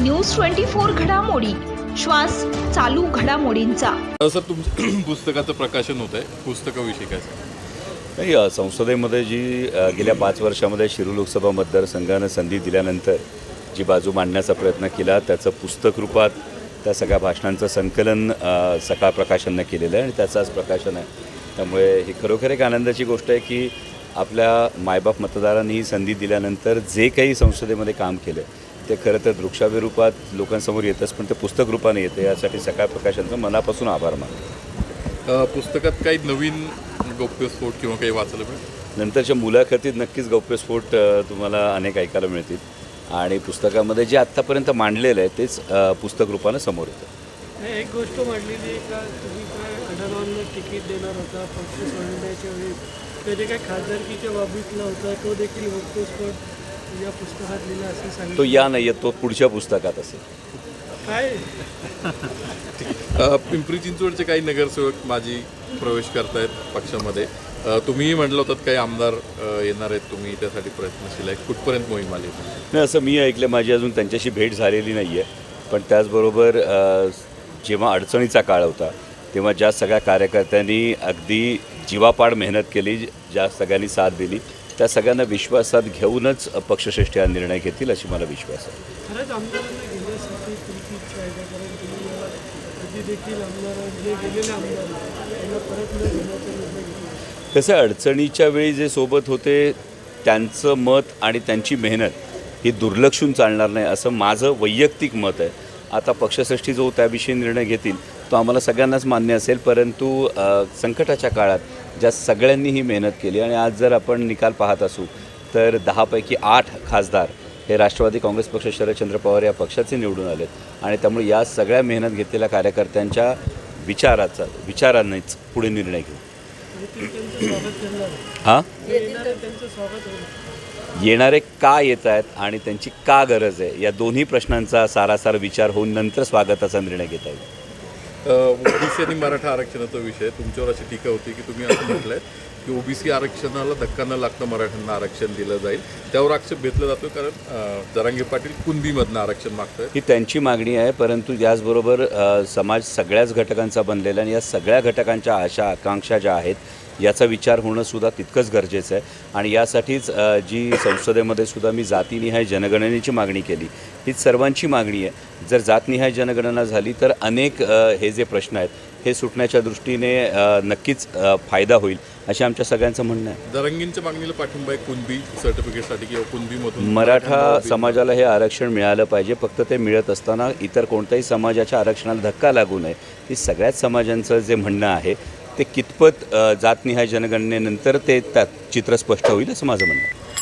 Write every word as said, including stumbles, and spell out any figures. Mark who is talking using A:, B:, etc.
A: News twenty four घडामोडी, श्वास चालू घडामोडींचा।
B: सर, तुमचं पुस्तकाचं प्रकाशन होत आहे, पुस्तकाविषयी काय सांगा?
C: नाही, संसदेमध्ये जी गेल्या पाच वर्षामध्ये शिरूर लोकसभा मतदारसंघानं संधी दिल्यानंतर जी बाजू मांडण्याचा प्रयत्न केला, त्याचं पुस्तक रूपात त्या सगळ्या भाषणांचं संकलन सकाळ प्रकाशननं केलेलं आहे आणि त्याचं आज प्रकाशन आहे। त्यामुळे ही खरोखर एक आनंदाची गोष्ट आहे की आपल्या मायबाप मतदारांनी ही संधी दिल्यानंतर जे काही संसदेमध्ये काम केलं ते खरं तर दृकश्राव्य रूपात लोकांसमोर येतच, पण ते पुस्तक रूपाने येते। यासाठी सकाळ प्रकाशनचं मनापासून आभार मानतो।
B: पुस्तकात काही नवीन गौप्यस्फोट किंवा काही वाचायला मिळेल?
C: नंतरच्या मुलाखतीत नक्कीच गौप्यस्फोट तुम्हाला अनेक ऐकायला मिळतील आणि पुस्तकामध्ये जे आत्तापर्यंत मांडलेलं आहे तेच पुस्तक रूपानं समोर येतं।
D: एक गोष्ट मांडलेली आहे का तुम्ही काय अडणांना तिकीट देणार होता पक्ष सोडण्याच्या वेळी, कधी काय खासदारकीच्या बाबतीतला होता, तो देखील गौप्यस्फोट या पुस्तकात लिहिला असं सांगितलं।
C: तो या नाही, तो पुढच्या पुस्तकात असेल।
D: काय
B: पिंपरी चिंचवडचे काही नगरसेवक माजी प्रवेश करतायत पक्षामध्ये, तुम्हीही म्हटलं होतं काही आमदार येणार आहेत, तुम्ही त्यासाठी प्रयत्नशील आहे, कुठपर्यंत मोहीम आली?
C: नाही, असं मी ऐकलं, माझी अजून त्यांच्याशी भेट झालेली नाही आहे। पण त्याचबरोबर जेव्हा अडचणीचा काळ होता तेव्हा ज्या सगळ्या कार्यकर्त्यांनी अगदी जीवापाड मेहनत केली, ज्या सगळ्यांनी साथ दिली, त्या सगळ्यांना विश्वासात घेऊनच पक्षश्रेष्ठी हा निर्णय घेतील अशी मला विश्वास आहे।
D: खरंच आमदारांना घेण्यासाठी तुमची इच्छा आहे का? कारण तुम्ही कधी देखील आमदार जे गेलेले आमदार त्यांना परत न घेण्याचा निर्णय घेतला।
C: कसं अडचणीच्या वेळी जे सोबत होते त्यांचं मत आणि त्यांची मेहनत ही दुर्लक्षून चालणार नाही असं माझं वैयक्तिक मत आहे। आता पक्षश्रेष्ठी जो त्याविषयी निर्णय घेतील तो आम्हाला सगळ्यांनाच मान्य असेल, परंतु संकटाच्या काळात ज्या सगळ्यांनी ही मेहनत केली आणि आज जर आपण निकाल पाहत असू तर दहापैकी आठ खासदार हे राष्ट्रवादी काँग्रेस पक्ष शरदचंद्र पवार या पक्षाचे निवडून आलेत आणि त्यामुळे या सगळ्या मेहनत घेतलेल्या कार्यकर्त्यांच्या विचाराचा विचारांनीच पुढे निर्णय घेऊ। हां, येणारे का येत आहेत आणि त्यांची का गरज आहे या दोन्ही प्रश्नांचा सारासार विचार होऊन नंतर स्वागताचा निर्णय घेता येईल।
B: ओबीसी आणि मराठा आरक्षणाचा विषय, तुमच्यावर अशी टीका होती की तुम्ही असं म्हटलंय की ओबीसी आरक्षणाला धक्का न लागता मराठ्यांना आरक्षण दिलं जाईल, त्यावर आक्षेप घेतला जातो कारण जरांगे पाटील कुणबीमधनं आरक्षण मागतात।
C: ही त्यांची मागणी आहे, परंतु याचबरोबर समाज सगळ्याच घटकांचा बनलेला आणि या सगळ्या घटकांच्या आशा आकांक्षा ज्या आहेत याचा विचार होणंसुद्धा तितकंच गरजेचं आहे आणि यासाठीच जी संसदेमध्ये सुद्धा मी जातीनिहाय जनगणनेची मागणी केली, हीच सर्वांची मागणी आहे। जर जातनिहाय जनगणना झाली तर अनेक हे जे प्रश्न आहेत हे सुटण्याच्या दृष्टीने नक्कीच फायदा होईल असे आमच्या सगळ्यांचं म्हणणं आहे।
B: जरांगींच्या मागणीला पाठिंबा आहे कुणबी सर्टिफिकेटसाठी किंवा कुणबीमधून
C: मराठा समाजाला हे आरक्षण मिळालं पाहिजे, फक्त ते मिळत असताना इतर कोणत्याही समाजाच्या आरक्षणाला धक्का लागू नये ही सगळ्याच समाजांचं जे म्हणणं आहे ते कितपत जातनिहाय जनगणनेनंतर ते त्यात चित्र स्पष्ट होईल असं माझं म्हणणं आहे।